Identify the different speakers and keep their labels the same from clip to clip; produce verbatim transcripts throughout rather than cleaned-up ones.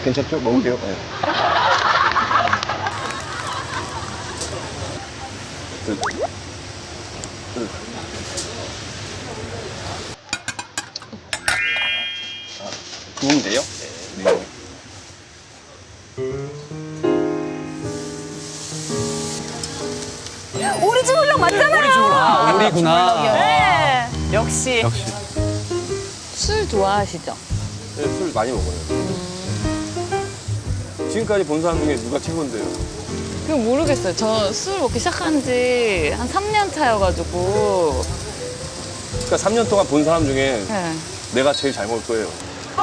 Speaker 1: 괜찮죠? 먹을게요. 네. 그, 그. 아, 구우면 돼요? 네.
Speaker 2: 오리지 물렁 맞잖아요.
Speaker 3: 아, 오리구나.
Speaker 2: 네. 역시.
Speaker 3: 역시.
Speaker 4: 술 좋아하시죠?
Speaker 1: 네, 술 많이 먹어요. 지금까지 본 사람 중에 누가 최고인데요?
Speaker 4: 그거 모르겠어요. 저 술 먹기 시작한 지 한 삼 년 차여가지고.
Speaker 1: 그러니까 삼 년 동안 본 사람 중에
Speaker 4: 네.
Speaker 1: 내가 제일 잘 먹을 거예요.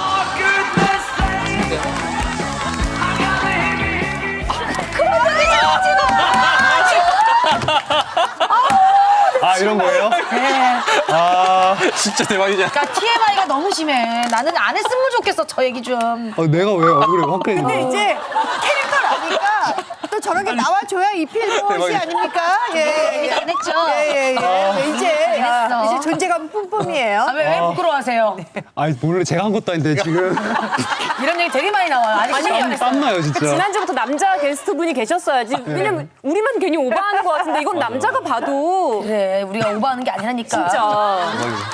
Speaker 3: 아, 이런 거예요?
Speaker 2: 네.
Speaker 3: 아,
Speaker 1: 진짜 대박이잖아.
Speaker 2: 그러니까 티엠아이가 너무 심해. 나는 안 했으면 좋겠어. 저 얘기 좀.
Speaker 3: 아, 내가 왜 얼굴에 화끈해?
Speaker 5: 근데 이제 캐릭터라니까 또 저렇게 나와줘야 이필모씨 아닙니까? 예, 예.
Speaker 2: 안 했죠?
Speaker 5: 예, 예, 예. 이제,
Speaker 2: 잘했어.
Speaker 5: 이제 존재감 뿜뿜이에요.
Speaker 2: 아, 왜, 왜 부끄러워하세요?
Speaker 3: 아니, 몰래 제가 한 것도 아닌데, 지금.
Speaker 2: 이런 얘기 되게 많이 나와요. 아직 시작도 안 했어요.
Speaker 3: 땀나요, 진짜.
Speaker 6: 지난주부터 남자 게스트분이 계셨어야지. 왜냐면 우리만 괜히 오버하는 것 같은데 이건 남자가 봐도
Speaker 2: 그래, 우리가 오버하는 게 아니라니까.
Speaker 6: 진짜.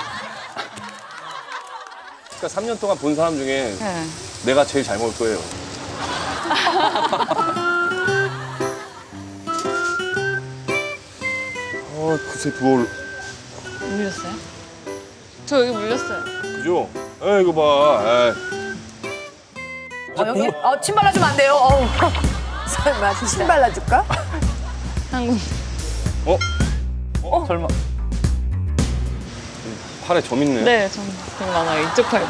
Speaker 1: 그러니까 삼 년 동안 본 사람 중에
Speaker 4: 네.
Speaker 1: 내가 제일 잘 먹을 거예요. 아, 글쎄 부어올.
Speaker 4: 물렸어요? 저 여기 물렸어요.
Speaker 1: 그죠? 에 이거 봐. 에이.
Speaker 2: 어, 여기, 어, 침 발라주면 안 돼요. 어우.
Speaker 5: 설마 침 발라줄까?
Speaker 4: 한 군.
Speaker 1: 어?
Speaker 3: 어? 설마.
Speaker 1: 팔에 점 있네.
Speaker 4: 네, 전 되게 많아요. 이쪽 팔.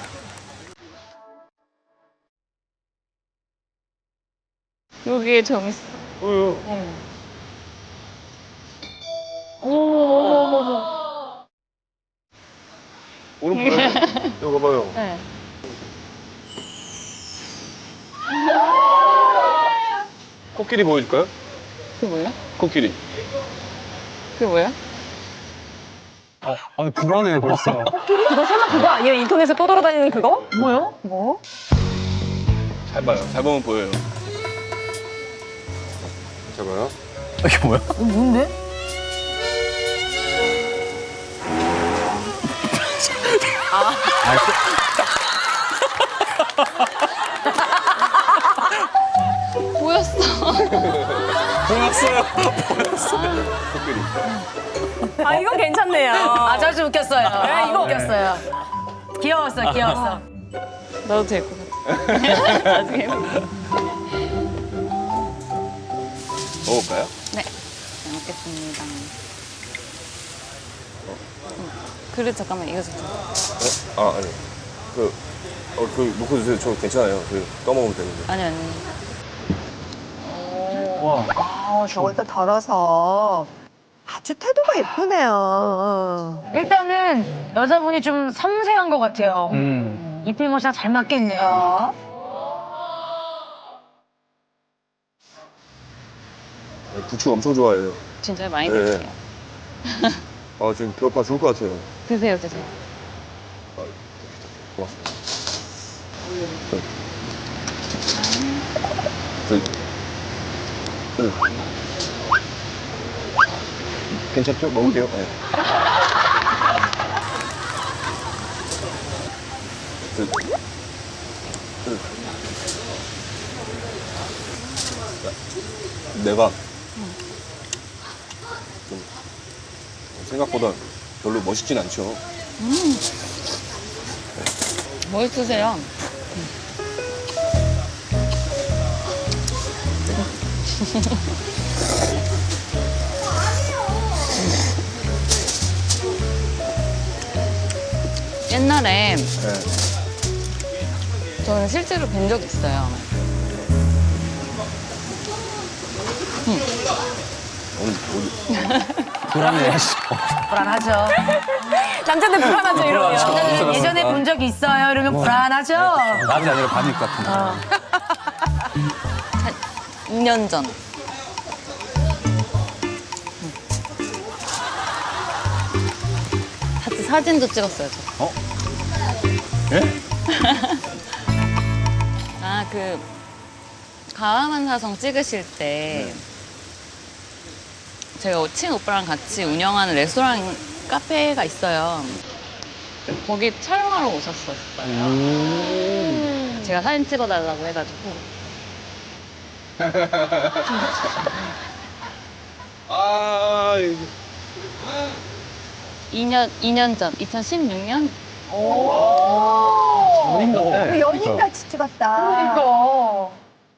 Speaker 4: 여기에 점 있어.
Speaker 1: 어휴. 오른팔. 이거 봐봐요.
Speaker 4: 네.
Speaker 1: 코끼리 보여줄까요?
Speaker 4: 그게 뭐야?
Speaker 1: 코끼리.
Speaker 4: 그게 뭐야?
Speaker 3: 아, 아, 불안해요, 벌써.
Speaker 6: 그거 설마 그거 아니에요? 인터넷에 떠돌아다니는 그거?
Speaker 2: 뭐요? 뭐?
Speaker 1: 잘 봐요. 잘 보면 보여요. 잘 봐요.
Speaker 3: 이게 뭐야?
Speaker 2: 이거 뭔데?
Speaker 4: 보였어.
Speaker 3: 보였어요.
Speaker 1: 코끼리.
Speaker 6: 아 이건 괜찮네요.
Speaker 2: 아, 저 좀 웃겼어요. 아,
Speaker 6: 이거.
Speaker 2: 웃겼어요. 귀여웠어, 귀여웠어.
Speaker 4: 나도 될 것 같아. 나중에 해볼게.
Speaker 1: 먹을까요?
Speaker 4: 네. 잘 먹겠습니다. 음, 그릇 잠깐만 이거 좀.
Speaker 1: 어? 아, 아니. 그, 어, 그, 놓고 주세요. 저 괜찮아요. 그, 떠먹으면 되는데.
Speaker 4: 아니 아니.
Speaker 3: 와.
Speaker 5: 아, 저걸 또 덜어서 아주 태도가 예쁘네요.
Speaker 2: 일단은 여자분이 좀 섬세한 것 같아요.
Speaker 3: 음.
Speaker 2: 이필모 씨랑 잘 맞겠네요.
Speaker 1: 부추 엄청 좋아해요.
Speaker 4: 진짜 많이
Speaker 1: 네.
Speaker 4: 드릴게요.
Speaker 1: 아, 지금 배고파 죽을 것 같아요.
Speaker 4: 드세요 드세요.
Speaker 1: 고맙습니다. 그, 그, 괜찮죠? 먹을게요. 네. 그, 그. 내가 좀 생각보다 별로 멋있진 않죠.
Speaker 4: 멋있으세요. 옛날에
Speaker 1: 네.
Speaker 4: 저는 실제로 뵌 적 있어요.
Speaker 1: 오늘 어디?
Speaker 3: 불안해.
Speaker 2: 불안하죠.
Speaker 6: 남자들 불안하죠 이러면.
Speaker 2: 예전에 본 적 있어요? 이러면 불안하죠?
Speaker 3: 남이 아니라 반일 것 같은데.
Speaker 4: 이 년 전. 같이 사진도 찍었어요, 저.
Speaker 3: 어? 예?
Speaker 4: 아, 그 가와만 사성 찍으실 때 제가 친오빠랑 같이 운영하는 레스토랑 카페가 있어요. 거기 촬영하러 오셨었어요. 제가 사진 찍어달라고 해가지고.
Speaker 1: 아, 이거.
Speaker 4: 이 년, 이 년 전, 이천십육 년?
Speaker 3: 연인 같아.
Speaker 5: 연인같이 찍었다.
Speaker 2: 이거.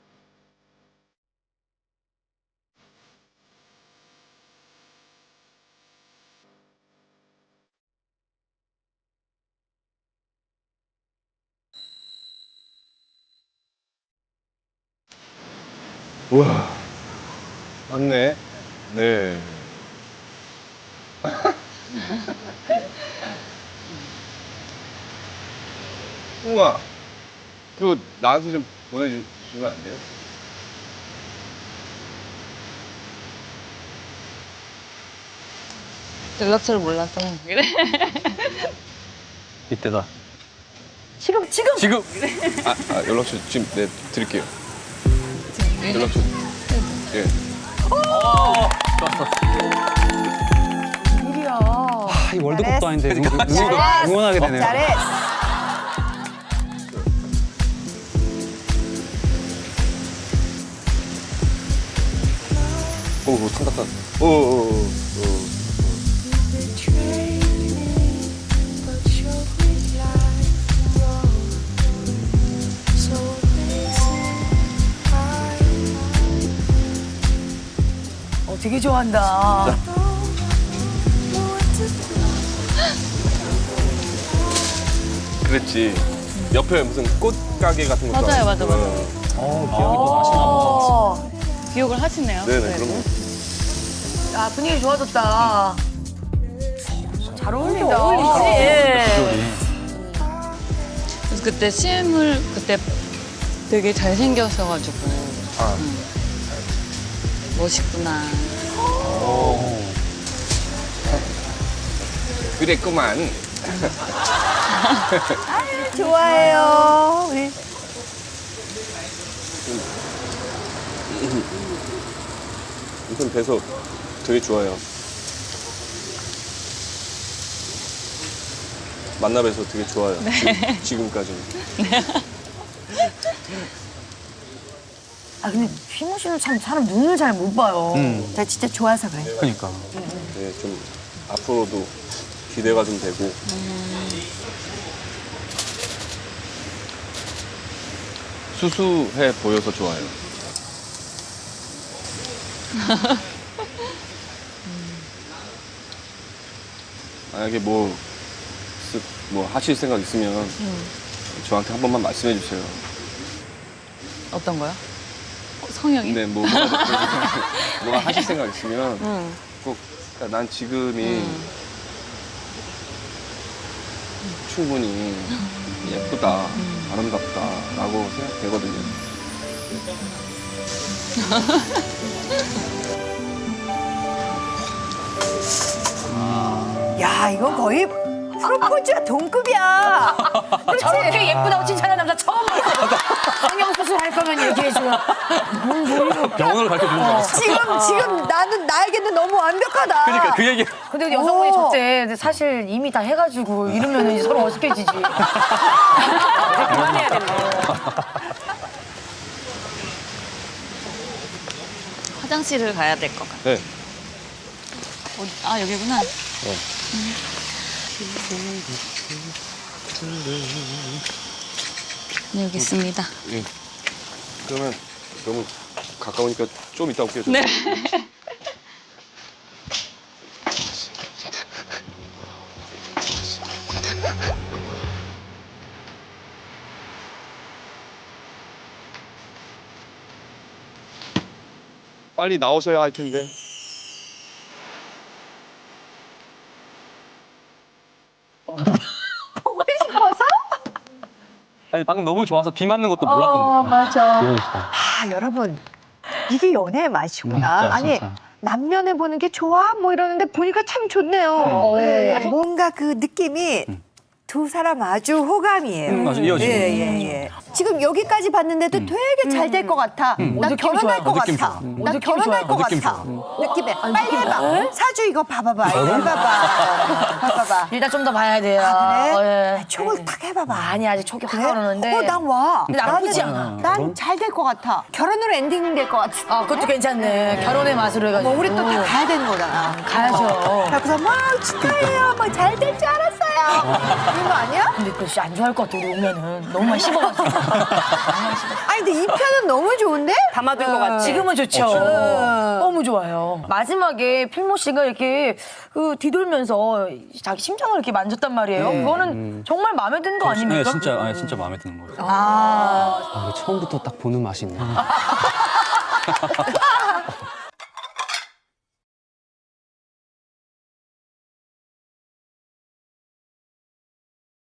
Speaker 1: 우와. 맞네. 네. 우와. 그거 나한테 좀 보내주시면 안 돼요?
Speaker 4: 연락처를 몰라서. 그래.
Speaker 3: 이때다.
Speaker 5: 지금 지금
Speaker 3: 지금
Speaker 1: 아, 아 연락처 지금 네 드릴게요. 연락처. 예.
Speaker 5: 일이야.
Speaker 3: 아, 이 월드컵도 아닌데 응- 응-
Speaker 5: 잘했어.
Speaker 3: 응원하게 되네요.
Speaker 5: 잘했어.
Speaker 1: 오, 오, 탄다, 탄다. 오, 오, 오, 오.
Speaker 2: 어, 되게 좋아한다.
Speaker 1: 그랬지. 옆에 무슨 꽃 가게 같은 것도
Speaker 4: 맞아요,
Speaker 1: 하고.
Speaker 4: 맞아, 맞아.
Speaker 3: 어, 기억이 또 나시나 보다.
Speaker 2: 어.
Speaker 4: 기억을 하시네요.
Speaker 1: 네네, 그럼요.
Speaker 2: 야, 분위기 좋아졌다. 잘 어울린다.
Speaker 5: 어울리지? 예.
Speaker 3: 비주얼이.
Speaker 4: 그래서 그때 씨엠을 그때 되게 잘생겨셔가지고.
Speaker 1: 아.
Speaker 4: 음. 멋있구나.
Speaker 1: 그랬구만.
Speaker 5: 좋아해요. 우리
Speaker 1: 우선 뵈서 되게 좋아요. 만나 뵈서 되게 좋아요. 지금, 지금까지는.
Speaker 2: 아, 근데 휘모 씨는 참 사람 눈을 잘 못 봐요.
Speaker 3: 음,
Speaker 5: 나 진짜 좋아서 그래.
Speaker 3: 그러니까.
Speaker 1: 네, 좀 앞으로도 기대가 좀 되고. 수수해 보여서 좋아요. 만약에 뭐, 쓰- 뭐 하실 생각 있으면 저한테 한 번만 말씀해 주세요.
Speaker 4: 어떤 거요? 어, 성형이?
Speaker 1: 근데 뭐 뭐가, 뭐가 하실 생각 있으면
Speaker 4: 응.
Speaker 1: 꼭 그러니까 난 지금이
Speaker 4: 음.
Speaker 1: 충분히 예쁘다, 아름답다라고 생각되거든요.
Speaker 5: 야, 이건 거의 프로포즈와 동급이야.
Speaker 2: 저렇게 예쁘다고 칭찬하는 남자 처음 봤어. 성형수술 할 거면 얘기해줘. 뭔 소리야.
Speaker 3: 영혼을 밝혀주는 줄 알았어.
Speaker 5: 지금 지금 나는 나에게는 너무 완벽하다.
Speaker 3: 그러니까 그 얘기.
Speaker 2: 근데 여성분이
Speaker 5: 오.
Speaker 2: 적대. 근데 사실 이미 다 해가지고 이러면 이제 서로 어색해지지.
Speaker 6: 그만해야 된다.
Speaker 4: 화장실을 가야 될 것 같아.
Speaker 1: 네.
Speaker 4: 어디- 아, 여기구나. 네, 여기 있습니다.
Speaker 1: 예. 그러면 너무 가까우니까 좀 이따 올게요. 저.
Speaker 4: 네.
Speaker 1: 빨리 나오셔야 할 텐데.
Speaker 3: 아니, 방금 너무 좋아서 비 맞는 것도 몰랐는데.
Speaker 5: 어, 맞아.
Speaker 3: 귀여우시다.
Speaker 5: 아, 여러분. 이게 연애의 맛이구나.
Speaker 3: 진짜,
Speaker 5: 아니,
Speaker 3: 진짜.
Speaker 5: 남면에 보는 게 좋아? 뭐 이러는데 보니까 참 좋네요. 네. 뭔가 그 느낌이 두 사람 아주 호감이에요.
Speaker 3: 음, 맞아, 이어지고.
Speaker 5: 예, 예, 예. 지금 여기까지 봤는데도 되게 잘 될 것 같아. 나
Speaker 2: 느낌
Speaker 5: 결혼할
Speaker 2: 좋아요.
Speaker 5: 것
Speaker 3: 느낌
Speaker 5: 같아.
Speaker 3: 좋아.
Speaker 5: 나
Speaker 2: 느낌
Speaker 5: 결혼할
Speaker 2: 좋아요.
Speaker 5: 것
Speaker 3: 느낌
Speaker 5: 같아.
Speaker 3: 좋아.
Speaker 5: 느낌에. 빨리 해봐. 사주 이거 봐봐봐. 이거 해봐봐. 봐봐봐.
Speaker 2: 일단 좀 더 봐야 돼요.
Speaker 5: 그래?
Speaker 2: 어, 예.
Speaker 5: 촉을 탁 해봐봐.
Speaker 2: 아니 아직 촉이 확
Speaker 5: 그래?
Speaker 2: 오르는데.
Speaker 5: 어, 난 와.
Speaker 2: 근데 나쁘지
Speaker 5: 나는-
Speaker 2: 않아.
Speaker 5: 난 잘 될 것 같아. 결혼으로 엔딩 될 것 같아.
Speaker 2: 아 그것도 괜찮네. 결혼의 맛으로 해가지고.
Speaker 5: 뭐 우리 또 다 가야 되는 거잖아.
Speaker 2: 가야죠.
Speaker 5: 그래서 막 축하해요. 막 잘 될 줄 알았어요. 이런 거 아니야?
Speaker 2: 근데 그씨 안 좋아할 것 같아 우리 오면은 너무 많이 씹어가지고.
Speaker 5: 아니 근데 이 편은 너무 좋은데?
Speaker 6: 담아둘 것 같지.
Speaker 2: 지금은 좋죠.
Speaker 5: 어.
Speaker 2: 너무 좋아요. 마지막에 필모 씨가 이렇게 그 뒤돌면서 자기 심장을 이렇게 만졌단 말이에요. 그거는 정말 마음에 드는 거
Speaker 3: 네,
Speaker 2: 아닙니까?
Speaker 3: 진짜, 아니, 진짜 마음에 드는 거예요.
Speaker 5: 아.
Speaker 3: 아, 이거 처음부터 딱 보는 맛이 있네.